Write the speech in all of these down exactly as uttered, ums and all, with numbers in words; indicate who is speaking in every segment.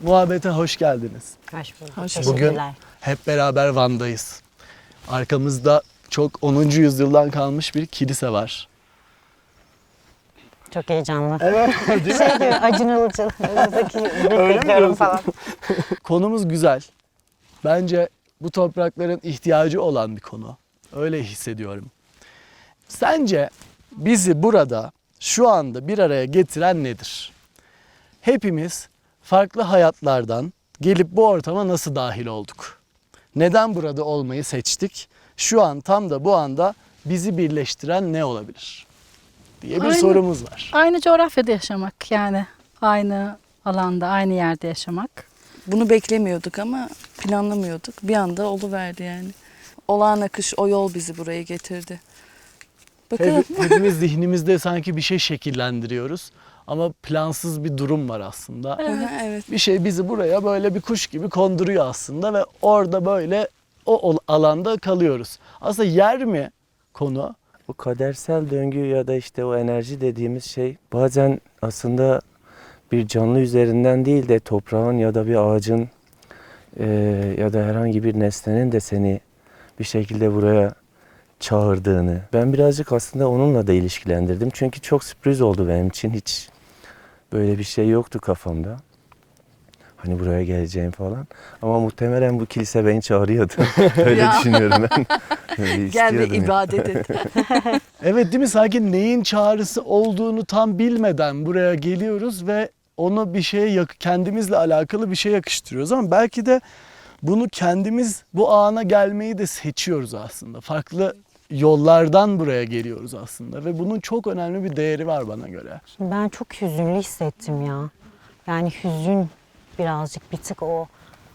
Speaker 1: Muhabbete hoş geldiniz.
Speaker 2: Hoş bulduk.
Speaker 3: Hoş
Speaker 2: Teşekkürler.
Speaker 1: Bugün hep beraber Van'dayız. Arkamızda çok onuncu yüzyıldan kalmış bir kilise var.
Speaker 2: Çok heyecanlı.
Speaker 1: Evet, değil
Speaker 2: Şey gibi Acun Ilıcalı'daki bekliyorum falan.
Speaker 1: Konumuz güzel. Bence bu toprakların ihtiyacı olan bir konu. Öyle hissediyorum. Sence bizi burada şu anda bir araya getiren nedir? Hepimiz farklı hayatlardan gelip bu ortama nasıl dahil olduk? Neden burada olmayı seçtik? Şu an tam da bu anda bizi birleştiren ne olabilir? Diye bir
Speaker 3: Aynı-
Speaker 1: sorumuz var.
Speaker 3: Aynı coğrafyada yaşamak yani. Aynı alanda, aynı yerde yaşamak.
Speaker 4: Bunu beklemiyorduk ama planlamıyorduk. Bir anda oluverdi yani. Olağan akış o yol bizi buraya getirdi. Bakalım.
Speaker 1: Hep, hepimiz zihnimizde sanki bir şey şekillendiriyoruz. Ama plansız bir durum var aslında.
Speaker 4: Aha, evet.
Speaker 1: Bir şey bizi buraya böyle bir kuş gibi konduruyor aslında ve orada böyle o ol- alanda kalıyoruz. Aslında yer mi konu?
Speaker 5: Bu kadersel döngü ya da işte o enerji dediğimiz şey bazen aslında bir canlı üzerinden değil de toprağın ya da bir ağacın e, ya da herhangi bir nesnenin de seni bir şekilde buraya çağırdığını. Ben birazcık aslında onunla da ilişkilendirdim. Çünkü çok sürpriz oldu benim için. Hiç böyle bir şey yoktu kafamda. Hani buraya geleceğim falan. Ama muhtemelen bu kilise beni çağırıyordu. Öyle
Speaker 4: Ya.
Speaker 5: düşünüyorum ben. Öyle
Speaker 4: Gel ve
Speaker 5: istiyordum yani.
Speaker 4: ibadet et.
Speaker 1: Evet, değil mi? Sanki neyin çağrısı olduğunu tam bilmeden buraya geliyoruz ve onu bir şeye yak- kendimizle alakalı bir şey yakıştırıyoruz ama belki de bunu kendimiz bu ana gelmeyi de seçiyoruz aslında. Farklı yollardan buraya geliyoruz aslında ve bunun çok önemli bir değeri var bana göre.
Speaker 2: Şimdi ben çok hüzünlü hissettim ya. Yani hüzün birazcık bir tık o.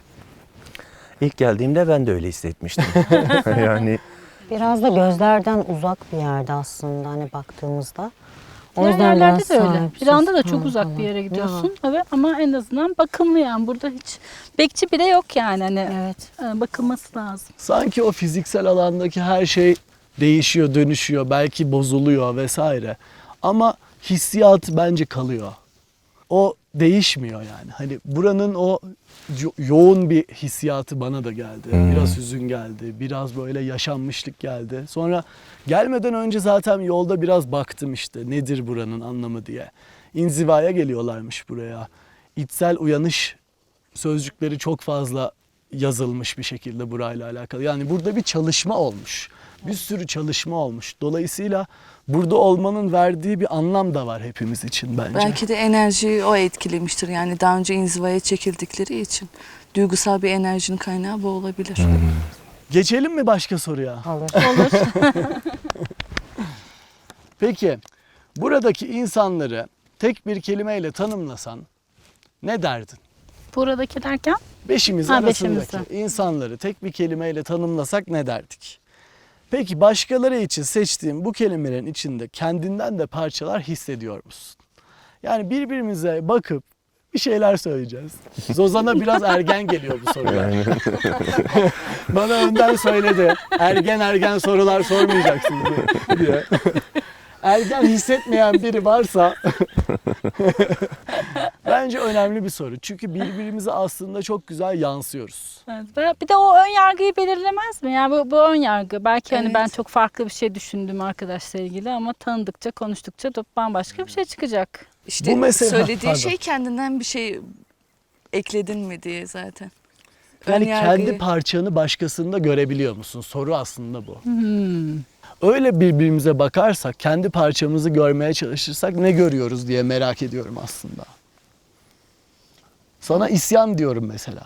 Speaker 5: İlk geldiğimde ben de öyle hissetmiştim. yani
Speaker 2: Biraz da gözlerden uzak bir yerde aslında hani baktığımızda. O
Speaker 3: Diğer
Speaker 2: yüzden
Speaker 3: yerlerde
Speaker 2: biraz
Speaker 3: de öyle.
Speaker 2: sahipsiz
Speaker 3: Bir anda da çok
Speaker 2: falan
Speaker 3: uzak
Speaker 2: falan.
Speaker 3: bir yere
Speaker 2: Ya.
Speaker 3: gidiyorsun. Evet ama en azından bakımlı yani. Burada hiç bekçi bile yok yani. Hani
Speaker 2: Evet.
Speaker 3: e, bakılması lazım.
Speaker 1: Sanki o fiziksel alandaki her şey değişiyor, dönüşüyor, belki bozuluyor vesaire. Ama hissiyat bence kalıyor. O değişmiyor yani. Hani buranın o yo- yoğun bir hissiyatı bana da geldi.
Speaker 5: Hmm.
Speaker 1: Biraz hüzün geldi, biraz böyle yaşanmışlık geldi. Sonra gelmeden önce zaten yolda biraz baktım işte nedir buranın anlamı diye. İnzivaya geliyorlarmış buraya. İçsel uyanış sözcükleri çok fazla yazılmış bir şekilde burayla alakalı. Yani burada bir çalışma olmuş. Bir sürü çalışma olmuş. Dolayısıyla burada olmanın verdiği bir anlam da var hepimiz için bence.
Speaker 4: Belki de enerjiyi o etkilemiştir. Yani daha önce inzivaya çekildikleri için. Duygusal bir enerjinin kaynağı bu olabilir.
Speaker 1: Geçelim mi başka soruya?
Speaker 2: Olur.
Speaker 1: Peki buradaki insanları tek bir kelimeyle tanımlasan ne derdin?
Speaker 3: Buradaki derken
Speaker 1: Beşimiz
Speaker 3: Ha,
Speaker 1: arasındaki
Speaker 3: beşimizde.
Speaker 1: insanları tek bir kelimeyle tanımlasak ne derdik? Peki başkaları için seçtiğim bu kelimelerin içinde kendinden de parçalar hissediyor musun? Yani birbirimize bakıp bir şeyler söyleyeceğiz. Zozan'a biraz ergen geliyor bu sorular.
Speaker 5: yani
Speaker 1: Bana önden söyledi. Ergen ergen sorular sormayacaksın diye. Ergen hissetmeyen biri varsa bence önemli bir soru. Çünkü birbirimize aslında çok güzel yansıyoruz.
Speaker 3: evet. Ve bir de o ön yargıyı belirlemez mi? Yani bu, bu ön yargı. Belki hani
Speaker 4: Evet.
Speaker 3: ben çok farklı bir şey düşündüm arkadaşla ilgili ama tanıdıkça, konuştukça da bambaşka bir şey çıkacak.
Speaker 4: İşte
Speaker 1: Bu mesela-
Speaker 4: söylediği
Speaker 1: Pardon.
Speaker 4: şey kendinden bir şey ekledin mi diye zaten. Ön
Speaker 1: Yani
Speaker 4: yargıyı-
Speaker 1: kendi parçanı başkasında görebiliyor musun? Soru aslında bu.
Speaker 3: Hmm.
Speaker 1: Öyle birbirimize bakarsak, kendi parçamızı görmeye çalışırsak ne görüyoruz diye merak ediyorum aslında. Sana isyan diyorum mesela.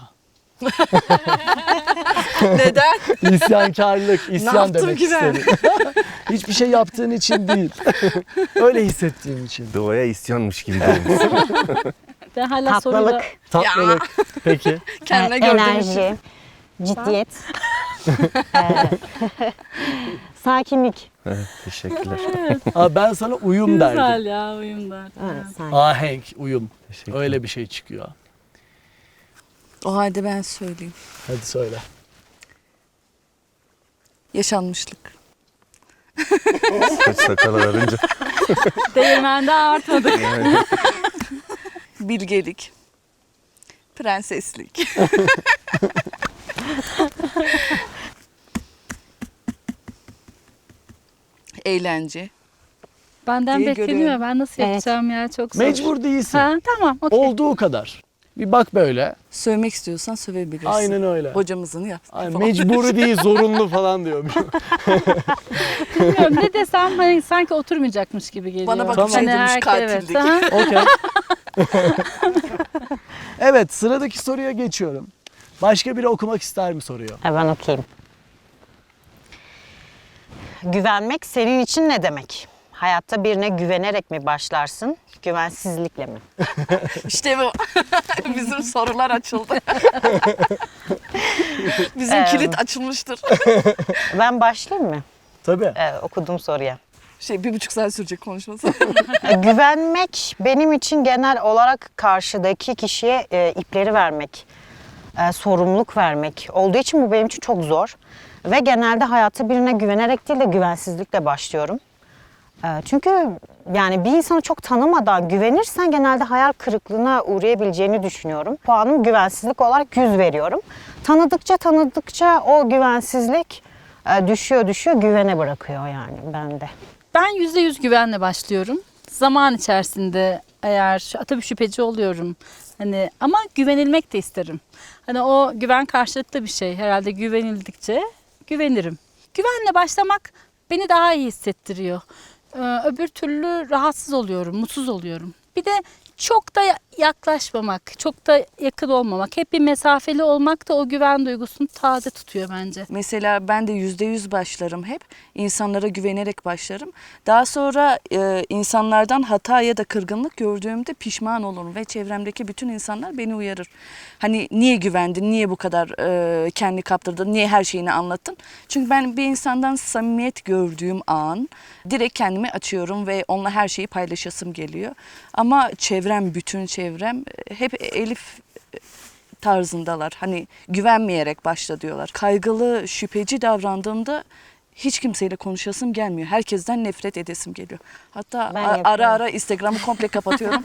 Speaker 4: Neden?
Speaker 1: İsyankarlık, isyan
Speaker 4: yaptım
Speaker 1: demek
Speaker 4: ki ben?
Speaker 1: istedim. Hiçbir şey yaptığın için değil. Öyle hissettiğim için.
Speaker 5: doğaya isyanmış gibi olmuş.
Speaker 3: Ben hala soruyla...
Speaker 2: Tatlılık,
Speaker 1: Tatlılık. Peki.
Speaker 4: Kendine
Speaker 2: e,
Speaker 4: gördüğüm için.
Speaker 2: enerji, ciddiyet, e, sakinlik.
Speaker 5: Evet, teşekkürler.
Speaker 1: Aa, ben sana uyum derdim.
Speaker 3: Güzel ya uyum derdim.
Speaker 2: Evet, sakin.
Speaker 1: Ahenk, uyum.
Speaker 5: Teşekkürler.
Speaker 1: Öyle bir şey çıkıyor.
Speaker 4: O halde ben söyleyeyim.
Speaker 1: Hadi söyle.
Speaker 4: Yaşanmışlık.
Speaker 5: Saç sakal ararınca.
Speaker 3: Değirmende artmadık.
Speaker 4: Bilgelik. Prenseslik. Eğlence.
Speaker 3: Benden
Speaker 4: diye
Speaker 3: bekleniyor.
Speaker 4: görüyorum.
Speaker 3: Ben nasıl
Speaker 2: Evet.
Speaker 3: yapacağım ya, çok zor.
Speaker 1: Mecbur değilsin.
Speaker 3: Ha, tamam, okey.
Speaker 1: Olduğu kadar. Bir bak böyle.
Speaker 4: Sövmek istiyorsan sövebilirsin.
Speaker 1: Aynen öyle.
Speaker 4: Hocamızın yaptığı
Speaker 1: Aynen,
Speaker 4: falan.
Speaker 1: mecburi değil, zorunlu falan diyormuş.
Speaker 3: Bilmiyorum, ne desem hani sanki oturmayacakmış gibi geliyor.
Speaker 4: Bana bak,
Speaker 1: Tamam.
Speaker 4: şey demiş,
Speaker 3: herke-
Speaker 4: katillik.
Speaker 3: aha.
Speaker 1: Okey. Evet, sıradaki soruya geçiyorum. Başka biri okumak ister mi soruyu?
Speaker 2: Ha, ben okuyayım. Güvenmek senin için ne demek? Hayatta birine güvenerek mi başlarsın, güvensizlikle mi?
Speaker 4: İşte bu. Bizim sorular açıldı. Bizim
Speaker 2: Ee,
Speaker 4: kilit açılmıştır.
Speaker 2: Ben başlayayım mı?
Speaker 1: Tabii.
Speaker 2: Ee, okuduğum soruya.
Speaker 4: Şey bir buçuk saat sürecek konuşması.
Speaker 2: E, Güvenmek benim için genel olarak karşıdaki kişiye e, ipleri vermek, e, sorumluluk vermek olduğu için bu benim için çok zor. Ve genelde hayata birine güvenerek değil de güvensizlikle başlıyorum. E, çünkü yani bir insanı çok tanımadan güvenirsen genelde hayal kırıklığına uğrayabileceğini düşünüyorum. Puanım güvensizlik olarak yüz veriyorum. Tanıdıkça tanıdıkça o güvensizlik e, düşüyor düşüyor güvene bırakıyor yani bende.
Speaker 3: Ben yüzde yüz güvenle başlıyorum. Zaman içerisinde eğer tabii şüpheci oluyorum. Hani ama güvenilmek de isterim. Hani o güven karşılıklı bir şey. Herhalde güvenildikçe güvenirim. Güvenle başlamak beni daha iyi hissettiriyor. Ee, öbür türlü rahatsız oluyorum, mutsuz oluyorum. Bir de çok da yaklaşmamak, çok da yakın olmamak, hep bir mesafeli olmak da o güven duygusunu taze tutuyor bence.
Speaker 4: Mesela ben de yüzde yüz başlarım hep. İnsanlara güvenerek başlarım. Daha sonra e, insanlardan hata ya da kırgınlık gördüğümde pişman olurum ve çevremdeki bütün insanlar beni uyarır. Hani niye güvendin, niye bu kadar e, kendi kaptırdın, niye her şeyini anlattın? Çünkü ben bir insandan samimiyet gördüğüm an direkt kendimi açıyorum ve onunla her şeyi paylaşasım geliyor. Ama çevrem, bütün çevrem hep Elif tarzındalar. Hani güvenmeyerek başla diyorlar. Kaygılı, şüpheci davrandığımda hiç kimseyle konuşasım gelmiyor. Herkesten nefret edesim geliyor. Hatta
Speaker 2: Ben
Speaker 4: a- ara
Speaker 2: yapıyorum.
Speaker 4: ara Instagram'ı komple kapatıyorum.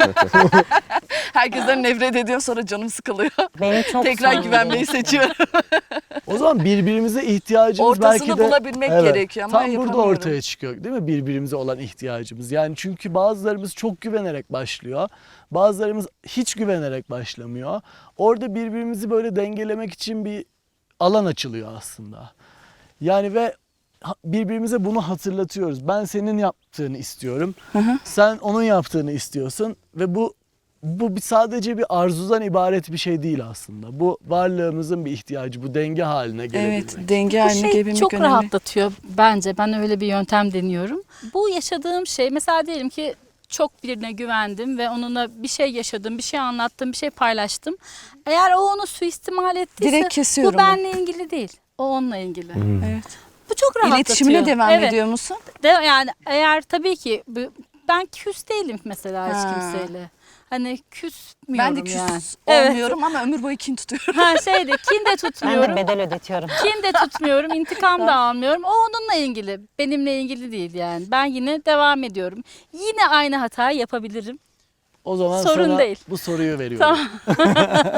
Speaker 4: Herkesten nefret ediyorum, sonra canım sıkılıyor.
Speaker 2: Benim çok
Speaker 4: Tekrar
Speaker 2: sorunum.
Speaker 4: güvenmeyi seçiyorum.
Speaker 1: O zaman birbirimize ihtiyacımız
Speaker 4: Ortasını
Speaker 1: belki de
Speaker 4: bulabilmek
Speaker 1: Evet,
Speaker 4: gerekiyor ama
Speaker 1: tam burada
Speaker 4: yapamıyorum.
Speaker 1: ortaya çıkıyor değil mi birbirimize olan ihtiyacımız? Yani çünkü bazılarımız çok güvenerek başlıyor. Bazılarımız hiç güvenerek başlamıyor. Orada birbirimizi böyle dengelemek için bir alan açılıyor aslında. Yani ve ha- birbirimize bunu hatırlatıyoruz. Ben senin yaptığını istiyorum. Sen onun yaptığını istiyorsun ve bu bu bir sadece bir arzudan ibaret bir şey değil aslında. Bu varlığımızın bir ihtiyacı, bu denge haline gelebilmek.
Speaker 4: Evet, denge
Speaker 3: Bu
Speaker 4: haline
Speaker 3: şey
Speaker 4: gelebilmek
Speaker 3: çok
Speaker 4: önemli.
Speaker 3: rahatlatıyor bence. Ben öyle bir yöntem deniyorum. Bu yaşadığım şey, mesela diyelim ki çok birine güvendim ve onunla bir şey yaşadım, bir şey anlattım, bir şey paylaştım. Eğer o onu suistimal ettiyse
Speaker 4: Direkt kesiyorum
Speaker 3: bu benle ilgili değil. O onunla ilgili.
Speaker 4: Evet.
Speaker 3: Bu çok rahatlatıyor.
Speaker 4: İletişimine devam
Speaker 3: Evet.
Speaker 4: ediyor musun?
Speaker 3: De, yani eğer tabii ki bu- ben küs değilim mesela hiç
Speaker 4: Ha.
Speaker 3: kimseyle. Hani küsmüyorum
Speaker 4: Ben de küs
Speaker 3: yani. Evet.
Speaker 4: olmuyorum ama ömür boyu kin tutuyorum.
Speaker 3: Ha şeyde kin de
Speaker 2: Ben de
Speaker 3: tutmuyorum.
Speaker 2: bedel ödetiyorum.
Speaker 3: Kin de tutmuyorum, intikam da almıyorum. O onunla ilgili, benimle ilgili değil yani. Ben yine devam ediyorum. Yine aynı hatayı yapabilirim.
Speaker 1: O zaman
Speaker 3: Sorun
Speaker 1: sana
Speaker 3: değil.
Speaker 1: bu soruyu veriyorum.
Speaker 3: Tamam.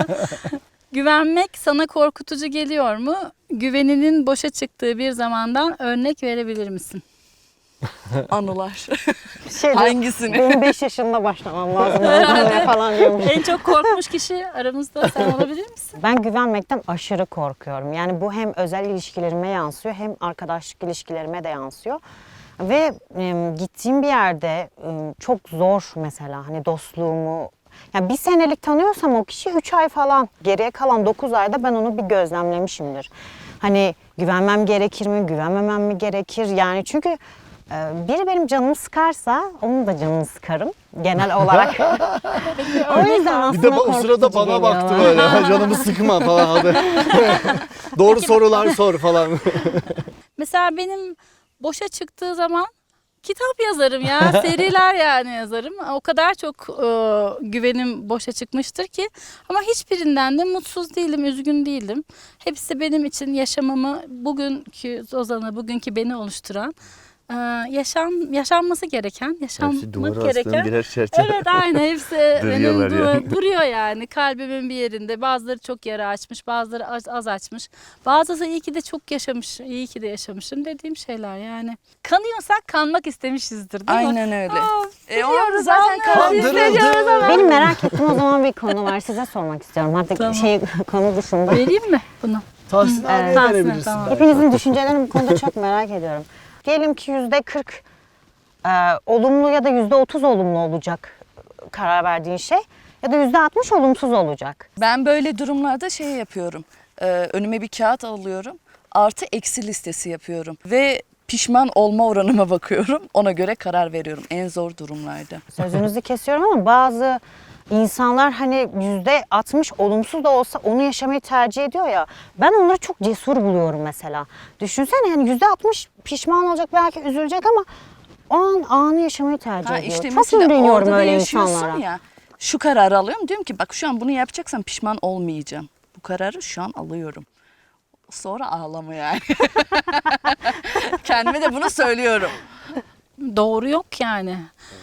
Speaker 3: Güvenmek sana korkutucu geliyor mu? Güveninin boşa çıktığı bir zamandan örnek verebilir misin?
Speaker 4: Anılar.
Speaker 2: Şey diyor,
Speaker 4: Hangisini?
Speaker 2: benim beş yaşında başlamam lazım. öldürmeye falan diyormuş.
Speaker 3: En çok korkmuş kişi aramızda sen olabilir misin?
Speaker 2: Ben güvenmekten aşırı korkuyorum. Yani bu hem özel ilişkilerime yansıyor hem arkadaşlık ilişkilerime de yansıyor. Ve e, gittiğim bir yerde e, çok zor mesela hani dostluğumu yani bir senelik tanıyorsam o kişi üç ay falan geriye kalan dokuz ayda ben onu bir gözlemlemişimdir. Hani güvenmem gerekir mi, güvenmemem mi gerekir? Yani çünkü e, biri benim canımı sıkarsa onun da canını sıkarım genel olarak. O yüzden aslında
Speaker 1: Bir de o sırada
Speaker 2: korkutucu
Speaker 1: bana
Speaker 2: geliyor
Speaker 1: baktı
Speaker 2: bana.
Speaker 1: böyle. "Ha, canımı sıkma falan. Hadi. Doğru sorular sor falan.
Speaker 3: Mesela benim boşa çıktığı zaman kitap yazarım ya, seriler yani yazarım. O kadar çok e, güvenim boşa çıkmıştır ki. Ama hiçbirinden de mutsuz değilim, üzgün değilim. Hepsi benim için yaşamamı, bugünkü Ozan'ı, bugünkü beni oluşturan Ee, yaşam yaşanması gereken,
Speaker 5: Hepsi
Speaker 3: yaşanmak
Speaker 5: duvara astığım
Speaker 3: gereken.
Speaker 5: birer çerçeve.
Speaker 3: Evet, aynen hepsi benim
Speaker 5: Duruyorlar
Speaker 3: du-
Speaker 5: yani.
Speaker 3: duruyor yani kalbimin bir yerinde. Bazıları çok yara açmış, bazıları az, az açmış. Bazısı iyi ki de çok yaşamış, iyi ki de yaşamışım dediğim şeyler yani. Kanıyorsak kanmak istemişizdir değil mi?
Speaker 4: Aynen öyle.
Speaker 3: Aa,
Speaker 4: E, o
Speaker 3: biliyoruz,
Speaker 4: zaten
Speaker 3: anlıyoruz,
Speaker 4: kalbi-
Speaker 3: hissediyoruz ama.
Speaker 2: Benim merak ettiğim o zaman bir konu var. Size sormak istiyorum. Artık
Speaker 3: Tamam.
Speaker 2: şey konu dışında.
Speaker 3: Vereyim mi bunu?
Speaker 1: Tahsin abiye
Speaker 2: Evet.
Speaker 3: Tahsin,
Speaker 1: verebilirsin
Speaker 3: tamam.
Speaker 1: belki.
Speaker 2: Hepinizin düşüncelerini bu konuda çok merak ediyorum. Diyelim ki yüzde kırk e, olumlu ya da yüzde otuz olumlu olacak karar verdiğin şey. Ya da yüzde altmış olumsuz olacak.
Speaker 4: Ben böyle durumlarda şey yapıyorum. Ee, önüme bir kağıt alıyorum. Artı eksi listesi yapıyorum. Ve pişman olma oranıma bakıyorum. Ona göre karar veriyorum en zor durumlarda.
Speaker 2: Sözünüzü kesiyorum ama bazı insanlar hani yüzde altmış olumsuz da olsa onu yaşamayı tercih ediyor ya. Ben onları çok cesur buluyorum mesela. Düşünsene yani yüzde altmış pişman olacak, belki üzülecek ama o an anı yaşamayı tercih
Speaker 4: Ha
Speaker 2: ediyor.
Speaker 4: işte
Speaker 2: çok
Speaker 4: mesela
Speaker 2: imreniyorum
Speaker 4: orada da
Speaker 2: öyle
Speaker 4: yaşıyorsun
Speaker 2: insanlara.
Speaker 4: ya. Şu kararı alıyorum. Diyorum ki bak şu an bunu yapacaksam pişman olmayacağım. Bu kararı şu an alıyorum. Sonra ağlama yani. Kendime de bunu söylüyorum.
Speaker 3: Doğru yok yani.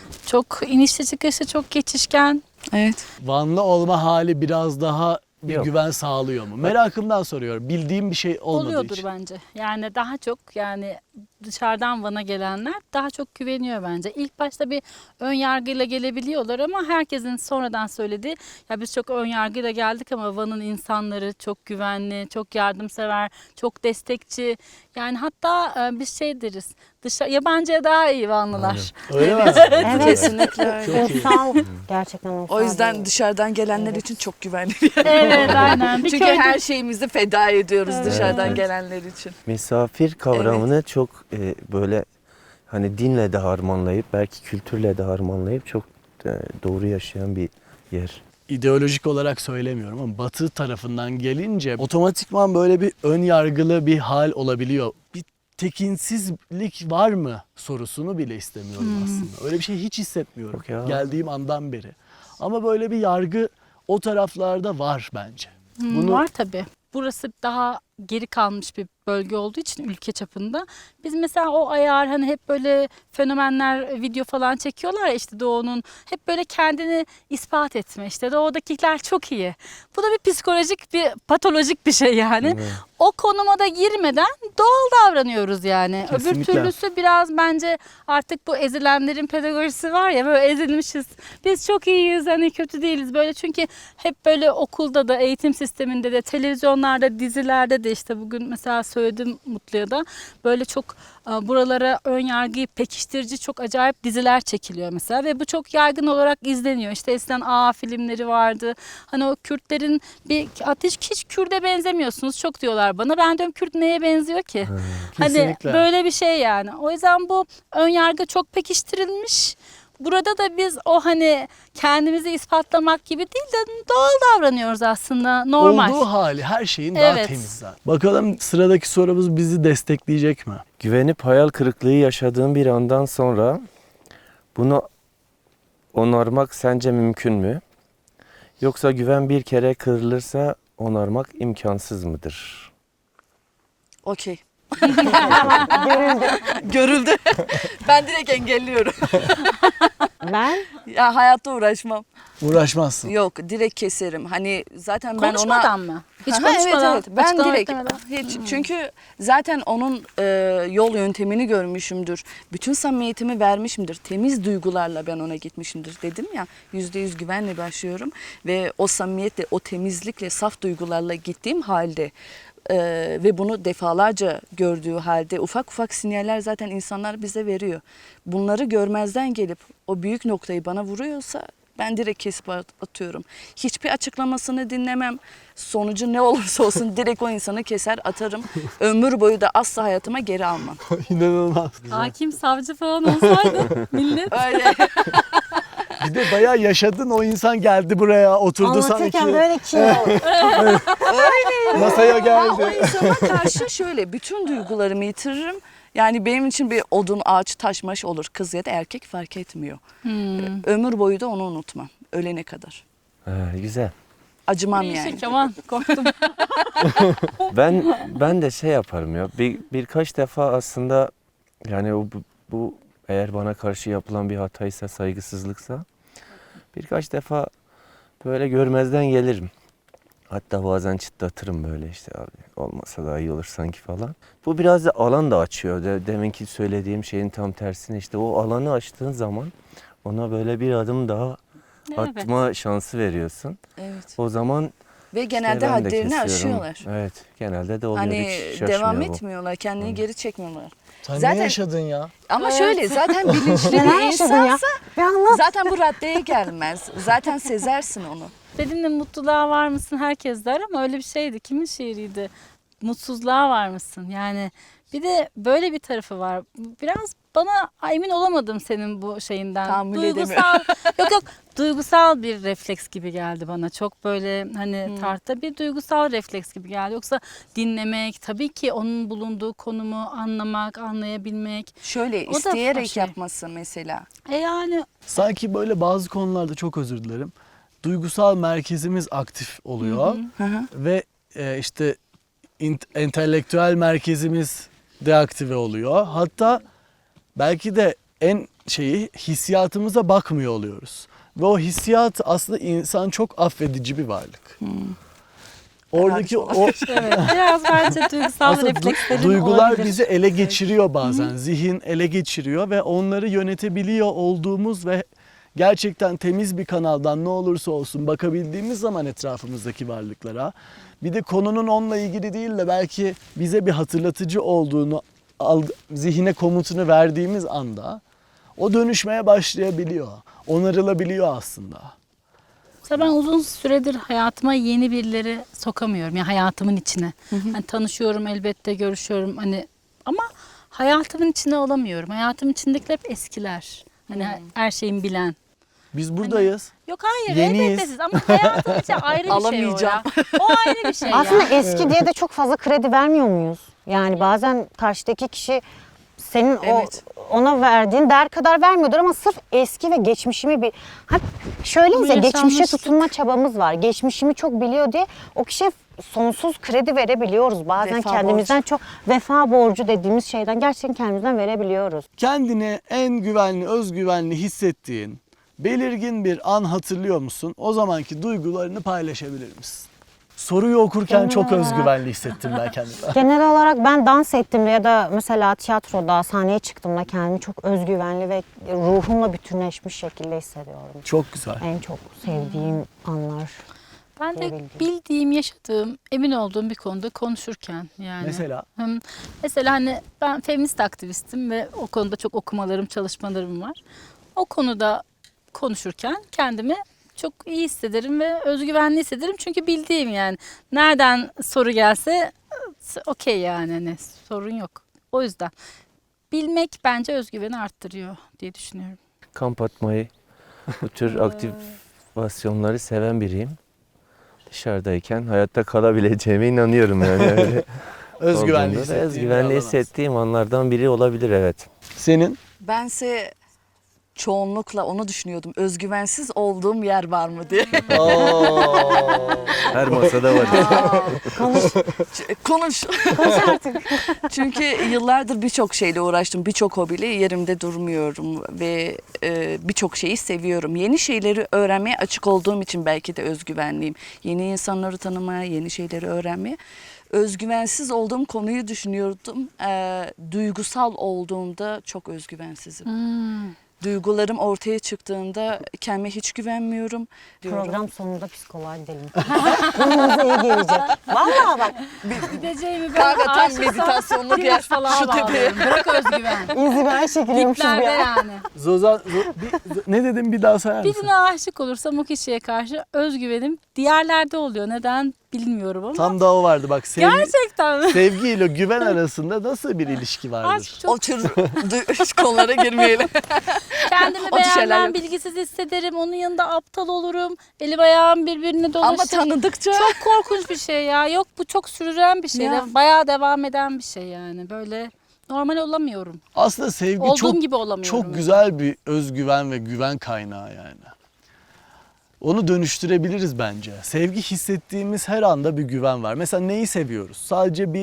Speaker 3: Çok inişli çıkışlı, çok geçişken.
Speaker 4: Evet.
Speaker 1: Vanlı olma hali biraz daha bir
Speaker 5: Yok.
Speaker 1: güven sağlıyor mu? Merakımdan soruyorum. Bildiğim bir şey olmadığı
Speaker 3: Oluyordur
Speaker 1: için.
Speaker 3: bence. Yani daha çok yani dışarıdan Van'a gelenler daha çok güveniyor bence. İlk başta bir ön yargıyla gelebiliyorlar ama herkesin sonradan söylediği ya biz çok ön yargıyla geldik ama Van'ın insanları çok güvenli, çok yardımsever, çok destekçi. Yani hatta e, biz şey deriz. Dışarı, yabancıya daha iyi Vanlılar.
Speaker 1: Öyle mi?
Speaker 2: Evet.
Speaker 4: Kesinlikle öyle.
Speaker 1: Çok iyi.
Speaker 2: Uysal, gerçekten uysal.
Speaker 4: O yüzden
Speaker 2: bir-
Speaker 4: dışarıdan gelenler için çok güvenli bir yer.
Speaker 3: Evet, aynen. Bir
Speaker 4: Çünkü
Speaker 3: köyde-
Speaker 4: her şeyimizi feda ediyoruz dışarıdan
Speaker 5: Evet.
Speaker 4: gelenler için.
Speaker 5: Misafir kavramını çok e, böyle hani dinle de harmanlayıp belki kültürle de harmanlayıp çok e, doğru yaşayan bir yer.
Speaker 1: İdeolojik olarak söylemiyorum ama Batı tarafından gelince otomatikman böyle bir ön yargılı bir hal olabiliyor. Bir tekinsizlik var mı sorusunu bile istemiyorum aslında. Öyle bir şey hiç hissetmiyorum
Speaker 5: Yok ya.
Speaker 1: geldiğim andan beri. Ama böyle bir yargı o taraflarda var bence.
Speaker 3: Hmm,
Speaker 1: Bunu
Speaker 3: Var tabii. Burası daha geri kalmış bir bölge olduğu için ülke çapında. Biz mesela o ayar hani hep böyle fenomenler video falan çekiyorlar ya işte Doğu'nun hep böyle kendini ispat etme işte Doğu'dakiler çok iyi. Bu da bir psikolojik bir patolojik bir şey yani.
Speaker 5: Evet.
Speaker 3: O konuma da girmeden doğal davranıyoruz yani. Öbür
Speaker 1: Kesinlikle.
Speaker 3: türlüsü biraz bence artık bu ezilenlerin pedagojisi var ya böyle ezilmişiz. Biz çok iyiyiz hani kötü değiliz böyle çünkü hep böyle okulda da eğitim sisteminde de televizyonlarda dizilerde de işte bugün mesela söyledim Mutlu'ya da böyle çok e, buralara ön yargıyı pekiştirici çok acayip diziler çekiliyor mesela ve bu çok yaygın olarak izleniyor. İşte eskiden A filmleri vardı. Hani o Kürtlerin bir ateş hiç Kürt'e benzemiyorsunuz çok diyorlar bana. Ben diyorum Kürt neye benziyor ki? Hani
Speaker 1: Kesinlikle.
Speaker 3: böyle bir şey yani. O yüzden bu ön yargı çok pekiştirilmiş. Burada da biz o hani kendimizi ispatlamak gibi değil de doğal davranıyoruz aslında. Normal.
Speaker 1: olduğu hali her şeyin daha
Speaker 3: Evet.
Speaker 1: temiz zaten. Bakalım sıradaki sorumuz bizi destekleyecek mi?
Speaker 5: Güvenip hayal kırıklığı yaşadığın bir andan sonra bunu onarmak sence mümkün mü? Yoksa güven bir kere kırılırsa onarmak imkansız mıdır?
Speaker 4: Okey.
Speaker 2: Görüldü.
Speaker 4: Görüldü. Ben direkt engelliyorum.
Speaker 2: Ben
Speaker 4: Ya hayatta uğraşmam.
Speaker 1: Uğraşmazsın.
Speaker 4: Yok direkt keserim. Hani zaten ben ona...
Speaker 3: Konuşmadan mı? Hiç
Speaker 4: Aha,
Speaker 3: konuşmadan.
Speaker 4: Evet, evet. Ben
Speaker 3: açıklama
Speaker 4: direkt
Speaker 3: beklemeden.
Speaker 4: hiç, çünkü zaten onun e, yol yöntemini görmüşümdür. Bütün samimiyetimi vermişimdir. Temiz duygularla ben ona gitmişimdir dedim ya. Yüzde yüz güvenle başlıyorum ve o samimiyetle, o temizlikle, saf duygularla gittiğim halde e, ve bunu defalarca gördüğü halde ufak ufak sinyaller zaten insanlar bize veriyor. Bunları görmezden gelip o büyük noktayı bana vuruyorsa ben direkt kesip at- atıyorum. Hiçbir açıklamasını dinlemem. Sonucu ne olursa olsun direkt o insanı keser atarım. Ömür boyu da asla hayatıma geri almam.
Speaker 1: İnanılmaz.
Speaker 3: Hakim, savcı falan olsaydı millet.
Speaker 4: Öyle.
Speaker 1: Bir de bayağı yaşadın, o insan geldi buraya oturdu sanki.
Speaker 2: anlatırken böyle kim oldu?
Speaker 1: Masaya
Speaker 4: Ha, o
Speaker 1: geldi.
Speaker 4: insana karşı şöyle bütün duygularımı yitiririm. Yani benim için bir odun, ağaç, taş, maş olur. Kız ya da erkek fark etmiyor.
Speaker 3: Hmm.
Speaker 4: Ömür boyu da onu unutmam. Ölene kadar.
Speaker 5: Ha, güzel.
Speaker 4: Acımam yani.
Speaker 3: Değişik aman korktum.
Speaker 5: Ben ben de şey yaparım ya. Bir birkaç defa aslında yani o bu- bu eğer bana karşı yapılan bir hataysa, saygısızlıksa birkaç defa böyle görmezden gelirim. Hatta bazen çıtlatırım böyle işte abi olmasa daha iyi olur sanki falan. Bu biraz da alan da açıyor. De, deminki söylediğim şeyin tam tersine işte o alanı açtığın zaman ona böyle bir adım daha
Speaker 3: Evet.
Speaker 5: atma şansı veriyorsun.
Speaker 4: Evet.
Speaker 5: O zaman
Speaker 4: Ve
Speaker 5: işte
Speaker 4: genelde
Speaker 5: ben de
Speaker 4: hadlerini
Speaker 5: kesiyorum.
Speaker 4: aşıyorlar.
Speaker 5: Evet genelde de oluyor.
Speaker 4: Hani
Speaker 5: Hiç şaşmıyor
Speaker 4: devam
Speaker 5: bu.
Speaker 4: etmiyorlar, kendini geri çekmiyorlar.
Speaker 1: Sen
Speaker 4: Zaten-
Speaker 1: ne yaşadın ya?
Speaker 4: Ama
Speaker 3: Evet.
Speaker 4: şöyle zaten bilinçli
Speaker 2: Neler
Speaker 4: bir
Speaker 2: yaşadın ya?
Speaker 4: insansa
Speaker 2: Bir anlat.
Speaker 4: zaten bu raddeye gelmez. Zaten sezersin onu.
Speaker 3: Benimle mutluluğa var mısın herkes der ama öyle bir şeydi. Kimin şiiriydi? Mutsuzluğa var mısın? Yani bir de böyle bir tarafı var. Biraz bana emin olamadım senin bu şeyinden.
Speaker 4: Tahammül
Speaker 3: duygusal, yok yok duygusal bir refleks gibi geldi bana. Çok böyle hani
Speaker 4: Hmm.
Speaker 3: tartta bir duygusal refleks gibi geldi. Yoksa dinlemek, tabii ki onun bulunduğu konumu anlamak, anlayabilmek.
Speaker 4: Şöyle
Speaker 3: O da
Speaker 4: isteyerek
Speaker 3: şey.
Speaker 4: yapması mesela.
Speaker 3: E yani
Speaker 1: Sanki böyle bazı konularda çok özür dilerim. Duygusal merkezimiz aktif oluyor
Speaker 4: Hı hı.
Speaker 1: ve e, işte int- entelektüel merkezimiz deaktive oluyor. Hatta belki de en şeyi hissiyatımıza bakmıyor oluyoruz. Ve o hissiyat aslında insan çok affedici bir varlık. Oradaki o
Speaker 3: evet, biraz bence duygusal
Speaker 1: aslında du-
Speaker 3: reflekslerin
Speaker 1: duygular
Speaker 3: olabilir.
Speaker 1: bizi ele geçiriyor bazen. Zihin ele geçiriyor ve onları yönetebiliyor olduğumuz ve gerçekten temiz bir kanaldan ne olursa olsun bakabildiğimiz zaman etrafımızdaki varlıklara, bir de konunun onunla ilgili değil de belki bize bir hatırlatıcı olduğunu alg- zihine komutunu verdiğimiz anda o dönüşmeye başlayabiliyor. Onarılabiliyor aslında.
Speaker 3: Mesela ben uzun süredir hayatıma yeni birileri sokamıyorum. Yani hayatımın içine. Hani tanışıyorum elbette, görüşüyorum hani ama hayatımın içine alamıyorum. Hayatımın içindekiler hep eskiler. Hani her şeyin bilen.
Speaker 1: Biz buradayız.
Speaker 3: Yok hayır
Speaker 1: Yeniyiz.
Speaker 3: elbette siz ama hayatım için ayrı bir şey o
Speaker 4: Alamayacağım.
Speaker 3: ya. O ayrı bir şey
Speaker 2: Aslında
Speaker 3: ya.
Speaker 2: eski diye de çok fazla kredi vermiyor muyuz? Yani bazen karşıdaki kişi senin
Speaker 4: Evet.
Speaker 2: o ona verdiğin değer kadar vermiyordur ama sırf eski ve geçmişimi bir ha şöyleyiz
Speaker 3: Bu
Speaker 2: ya geçmişe
Speaker 3: yaşanmışlık.
Speaker 2: tutunma çabamız var. Geçmişimi çok biliyor diye o kişiye sonsuz kredi verebiliyoruz. Bazen
Speaker 4: Vefa
Speaker 2: kendimizden çok vefa borcu dediğimiz şeyden gerçekten kendimizden verebiliyoruz.
Speaker 1: Kendini en güvenli, özgüvenli hissettiğin belirgin bir an hatırlıyor musun? O zamanki duygularını paylaşabilir misin? Soruyu okurken
Speaker 2: Genel
Speaker 1: çok
Speaker 2: olarak-
Speaker 1: özgüvenli hissettim ben kendimi.
Speaker 2: Genel olarak ben dans ettiğimde ya da mesela tiyatroda sahneye çıktığımda kendimi çok özgüvenli ve ruhumla bütünleşmiş şekilde hissediyorum.
Speaker 1: Çok güzel.
Speaker 2: En çok sevdiğim anlar.
Speaker 3: Ben de
Speaker 2: diyebildim.
Speaker 3: bildiğim, yaşadığım, emin olduğum bir konuda konuşurken yani.
Speaker 1: Mesela
Speaker 3: Hı, Mesela hani ben feminist aktivistim ve o konuda çok okumalarım, çalışmalarım var. O konuda konuşurken kendimi çok iyi hissederim ve özgüvenli hissederim. Çünkü bildiğim yani nereden soru gelse okey yani hani sorun yok. O yüzden bilmek bence özgüveni arttırıyor diye düşünüyorum.
Speaker 5: Kamp atmayı, bu tür aktivasyonları seven biriyim. Dışarıdayken hayatta kalabileceğime inanıyorum yani. Öyle
Speaker 1: özgüvenli
Speaker 5: olduğunda da
Speaker 1: hissettiğin bir
Speaker 5: özgüvenli
Speaker 1: alan
Speaker 5: hissettiğim anlardan biri olabilir evet.
Speaker 1: aslında. Senin?
Speaker 4: Bense çoğunlukla onu düşünüyordum. Özgüvensiz olduğum yer var mı diye.
Speaker 5: Her masada var.
Speaker 4: Ç- Konuş. Çünkü yıllardır birçok şeyle uğraştım. Birçok hobiyle yerimde durmuyorum ve e, birçok şeyi seviyorum. Yeni şeyleri öğrenmeye açık olduğum için belki de özgüvenliyim. Yeni insanları tanımaya, yeni şeyleri öğrenmeye. Özgüvensiz olduğum konuyu düşünüyordum. E, duygusal olduğumda çok özgüvensizim. Duygularım ortaya çıktığında kendime hiç güvenmiyorum. diyorum.
Speaker 2: Program sonunda psikoloğa gidelim. Ruhumuza iyi gelecek. Vallahi bak
Speaker 3: Gideceğimi
Speaker 4: Kanka
Speaker 3: ben
Speaker 4: tam
Speaker 3: aşıksam
Speaker 4: meditasyonluk yer.
Speaker 3: Timuç falan
Speaker 4: Şu tepeye.
Speaker 3: bağlıyorum. Bırak özgüven.
Speaker 2: inzivaya çekiliyormuşuz
Speaker 3: Diplerde
Speaker 2: ya.
Speaker 3: yani.
Speaker 1: Zozan, Zo- bir- ne dedim bir daha sayar mısın?
Speaker 3: Birine aşık olursam o kişiye karşı özgüvenim diğerlerde oluyor. Neden bilmiyorum ama.
Speaker 1: Tam da o vardı bak. Sevgi,
Speaker 3: Gerçekten mi?
Speaker 1: sevgi ile güven arasında nasıl bir ilişki vardır?
Speaker 3: Aşk çok
Speaker 4: O tür du- konulara girmeyelim.
Speaker 3: kendimi
Speaker 4: O tür şeyler
Speaker 3: beğenmem,
Speaker 4: yok.
Speaker 3: bilgisiz hissederim. Onun yanında aptal olurum. Elim ayağım birbirine dolaşır.
Speaker 4: Ama tanıdıkça
Speaker 3: Çok korkunç bir şey ya. Yok bu çok sürülen bir şey.
Speaker 4: Ya.
Speaker 3: De- Bayağı devam eden bir şey yani. Böyle normal olamıyorum.
Speaker 1: Aslında sevgi
Speaker 3: Olduğum
Speaker 1: çok
Speaker 3: gibi olamıyorum.
Speaker 1: çok güzel bir özgüven ve güven kaynağı yani. Onu dönüştürebiliriz bence. Sevgi hissettiğimiz her anda bir güven var. Mesela neyi seviyoruz? Sadece bir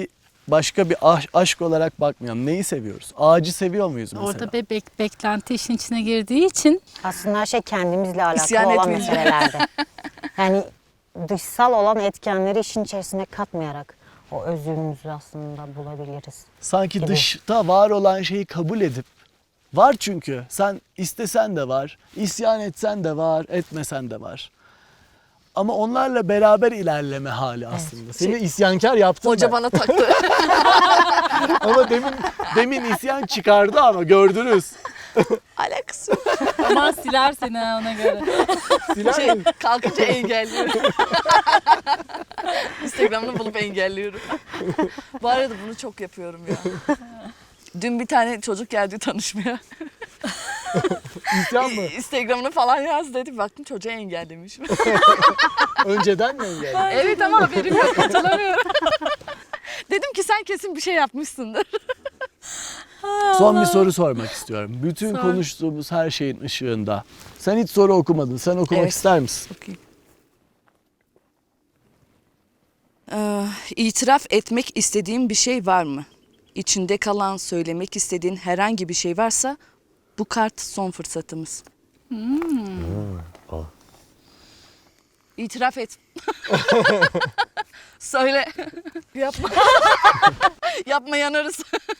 Speaker 1: başka bir aş- aşk olarak bakmayalım. Neyi seviyoruz? Ağacı seviyor muyuz mesela?
Speaker 3: Orada bir bek- beklenti işin içine girdiği için
Speaker 2: Aslında her şey kendimizle alakalı
Speaker 4: İsyan
Speaker 2: olan
Speaker 4: etmeyeceğim.
Speaker 2: meselelerde. Yani dışsal olan etkenleri işin içerisine katmayarak o özümüzü aslında bulabiliriz.
Speaker 1: Sanki
Speaker 2: gibi.
Speaker 1: dışta var olan şeyi kabul edip, var çünkü sen istesen de var, isyan etsen de var, etmesen de var. Ama onlarla beraber ilerleme hali aslında. Seni isyankar yaptım
Speaker 4: Hoca
Speaker 1: ben.
Speaker 4: bana taktı.
Speaker 1: Ama demin demin isyan çıkardı ama gördünüz.
Speaker 4: Alakası yok.
Speaker 3: ama siler seni ha ona göre.
Speaker 1: Siler
Speaker 4: Şey,
Speaker 1: mi?
Speaker 4: kalkınca engelliyorum. Instagram'da bulup engelliyorum. Bu arada bunu çok yapıyorum ya. Dün bir tane çocuk geldi tanışmaya.
Speaker 1: İsyan mı?
Speaker 4: Instagram'ını falan yaz dedi. Baktım çocuğa engellemiş.
Speaker 1: Önceden mi engelledi?
Speaker 4: Evet ama haberim yok, hatırlamıyorum. Dedim ki sen kesin bir şey yapmışsındır.
Speaker 1: Son bir soru sormak istiyorum. Bütün
Speaker 3: Sor.
Speaker 1: konuştuğumuz her şeyin ışığında. Sen hiç soru okumadın. Sen okumak
Speaker 4: Evet.
Speaker 1: ister misin?
Speaker 4: Okey. Ee, itiraf etmek istediğin bir şey var mı? İçinde kalan, söylemek istediğin herhangi bir şey varsa bu kart son fırsatımız. İtiraf et. Söyle. Yapma. Yapma yanarız.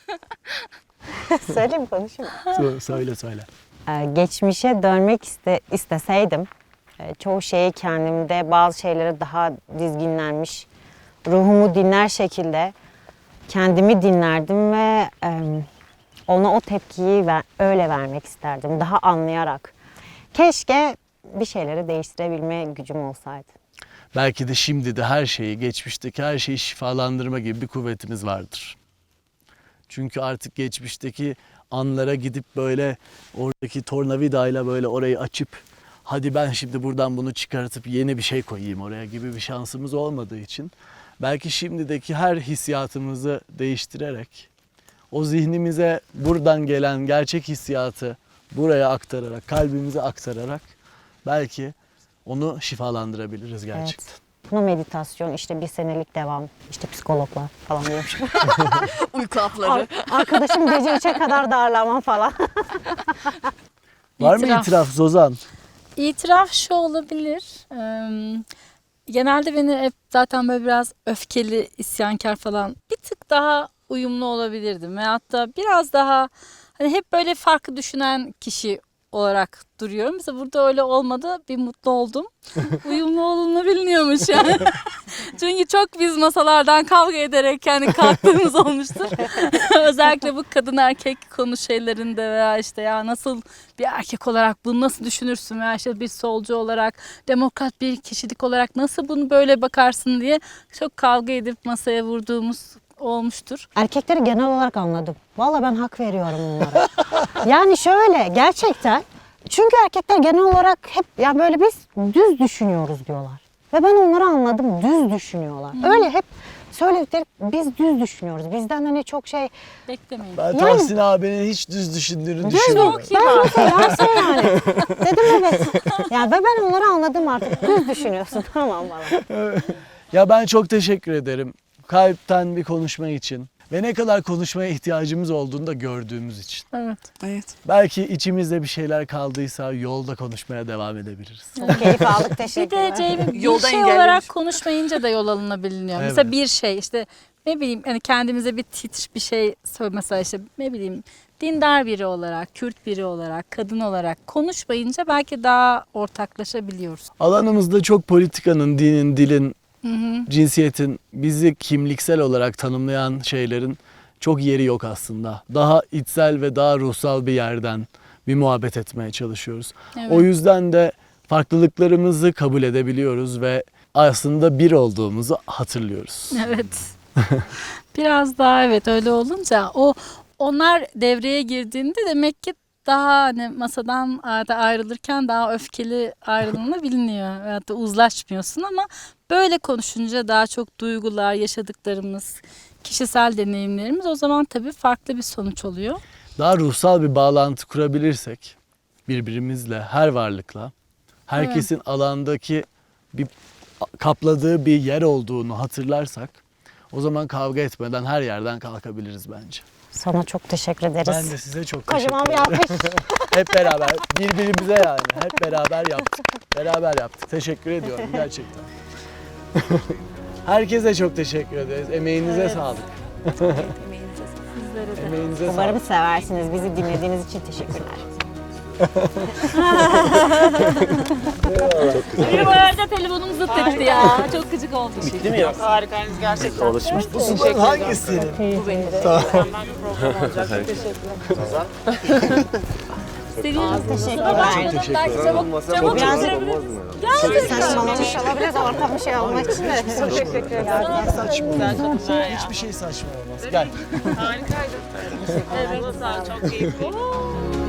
Speaker 2: Söyleyeyim mi, konuşayım mı?
Speaker 1: Sö- Söyle söyle.
Speaker 2: Ee, geçmişe dönmek iste, isteseydim e, çoğu şeyi kendimde, bazı şeylere daha dizginlenmiş, ruhumu dinler şekilde kendimi dinlerdim ve e, ona o tepkiyi ver, öyle vermek isterdim, daha anlayarak. Keşke bir şeyleri değiştirebilme gücüm olsaydı.
Speaker 1: Belki de şimdi de her şeyi, geçmişteki her şeyi şifalandırma gibi bir kuvvetimiz vardır. Çünkü artık geçmişteki anlara gidip böyle oradaki tornavidayla böyle orayı açıp hadi ben şimdi buradan bunu çıkartıp yeni bir şey koyayım oraya gibi bir şansımız olmadığı için belki şimdideki her hissiyatımızı değiştirerek o zihnimize buradan gelen gerçek hissiyatı buraya aktararak, kalbimize aktararak belki onu şifalandırabiliriz gerçekten.
Speaker 2: Buna meditasyon, işte bir senelik devam, işte psikologlar falan diyormuş.
Speaker 4: Uyku hapları.
Speaker 2: Ar- Arkadaşım gece üçe kadar darlama falan.
Speaker 1: Var mı
Speaker 3: İtiraf.
Speaker 1: itiraf Zozan?
Speaker 3: İtiraf şu olabilir. Eee, genelde beni hep zaten böyle biraz öfkeli, isyankar falan bir tık daha uyumlu olabilirdim. Veyahut da biraz daha hani hep böyle farklı düşünen kişi olarak duruyorum. Mesela burada öyle olmadı. Bir mutlu oldum. Uyumlu olunabiliyormuş yani. Çünkü çok biz masalardan kavga ederek yani kalktığımız olmuştur. Özellikle bu kadın erkek konu şeylerinde veya işte ya nasıl bir erkek olarak bunu nasıl düşünürsün veya işte bir solcu olarak, demokrat bir kişilik olarak nasıl bunu böyle bakarsın diye çok kavga edip masaya vurduğumuz olmuştur.
Speaker 2: Erkekleri genel olarak anladım. Vallahi ben hak veriyorum onlara. Yani şöyle gerçekten. Çünkü erkekler genel olarak hep ya böyle biz düz düşünüyoruz diyorlar. Ve ben onları anladım. Düz düşünüyorlar. Öyle hep söyledikleri biz düz düşünüyoruz. Bizden hani çok şey
Speaker 3: Beklemeyin.
Speaker 1: Ben
Speaker 2: Yani-
Speaker 1: Tahsin abinin hiç düz düşündüğünü
Speaker 2: düz
Speaker 1: düşünmüyorum.
Speaker 2: yok. Ben mesela şey yani. Dedim evet. Yani ve ben onları anladım artık. Düz düşünüyorsun tamam bana.
Speaker 1: Ya ben çok teşekkür ederim. Kalpten bir konuşma için ve ne kadar konuşmaya ihtiyacımız olduğunu da gördüğümüz için.
Speaker 3: Evet.
Speaker 4: Evet.
Speaker 1: Belki içimizde bir şeyler kaldıysa yolda konuşmaya devam edebiliriz.
Speaker 2: Çok keyif aldık.
Speaker 3: Bir
Speaker 2: Teşekkürler.
Speaker 3: de Ceyhun bir
Speaker 4: Yolda
Speaker 3: şey
Speaker 4: engellemiş.
Speaker 3: olarak konuşmayınca da yol alınabiliyor.
Speaker 1: Evet.
Speaker 3: Mesela bir şey işte ne bileyim hani kendimize bir titr bir şey söyle mesela işte ne bileyim dindar biri olarak, Kürt biri olarak, kadın olarak konuşmayınca belki daha ortaklaşabiliyoruz.
Speaker 1: Alanımızda çok politikanın, dinin, dilin,
Speaker 3: Hı hı.
Speaker 1: cinsiyetin, bizi kimliksel olarak tanımlayan şeylerin çok yeri yok aslında. Daha içsel ve daha ruhsal bir yerden bir muhabbet etmeye çalışıyoruz.
Speaker 3: Evet.
Speaker 1: O yüzden de farklılıklarımızı kabul edebiliyoruz ve aslında bir olduğumuzu hatırlıyoruz.
Speaker 3: Evet. Biraz daha evet öyle olunca o onlar devreye girdiğinde demek ki daha hani masadan da ayrılırken daha öfkeli ayrılınabiliyor. Veyahut da uzlaşmıyorsun ama böyle konuşunca daha çok duygular, yaşadıklarımız, kişisel deneyimlerimiz o zaman tabii farklı bir sonuç oluyor.
Speaker 1: Daha ruhsal bir bağlantı kurabilirsek birbirimizle, her varlıkla, herkesin alandaki bir kapladığı bir yer olduğunu hatırlarsak O zaman kavga etmeden her yerden kalkabiliriz bence.
Speaker 2: Sana çok teşekkür ederiz.
Speaker 1: Ben de size çok teşekkür
Speaker 2: Kocaman bir
Speaker 1: ederim.
Speaker 2: alkış.
Speaker 1: Hep beraber, birbirimize yani. Hep beraber yaptık. Beraber yaptık. Teşekkür ediyorum gerçekten. Herkese çok teşekkür ederiz. Emeğinize sağlık.
Speaker 3: Sizlere de.
Speaker 1: Emeğinize
Speaker 2: Umarım
Speaker 1: sağlık.
Speaker 2: seversiniz. Bizi dinlediğiniz için teşekkürler.
Speaker 3: Bir bu arada telefonum zıt etti ya. Çok gıcık oldu.
Speaker 5: Bitti mi ya?
Speaker 6: Harikaydınız gerçekten.
Speaker 5: Alışmış.
Speaker 1: Bu suların hangisi?
Speaker 6: Bu benim de mükemmel bir program olacak. Çok teşekkürler.
Speaker 3: Seviyorum.
Speaker 2: Teşekkürler.
Speaker 1: Çok teşekkür
Speaker 3: Belki
Speaker 1: ederim.
Speaker 3: çabuk çabuk bitirebiliriz.
Speaker 2: Saçmalamış olabiliriz ortam bir şey olmak için de.
Speaker 6: Çok teşekkür ederim.
Speaker 1: Saçma
Speaker 6: Güzel
Speaker 1: olmaz.
Speaker 6: kadınlar ya.
Speaker 1: Hiçbir şey saçma olmaz. Gel.
Speaker 6: Harikaydın. Evet, sağ ol. Çok keyifli.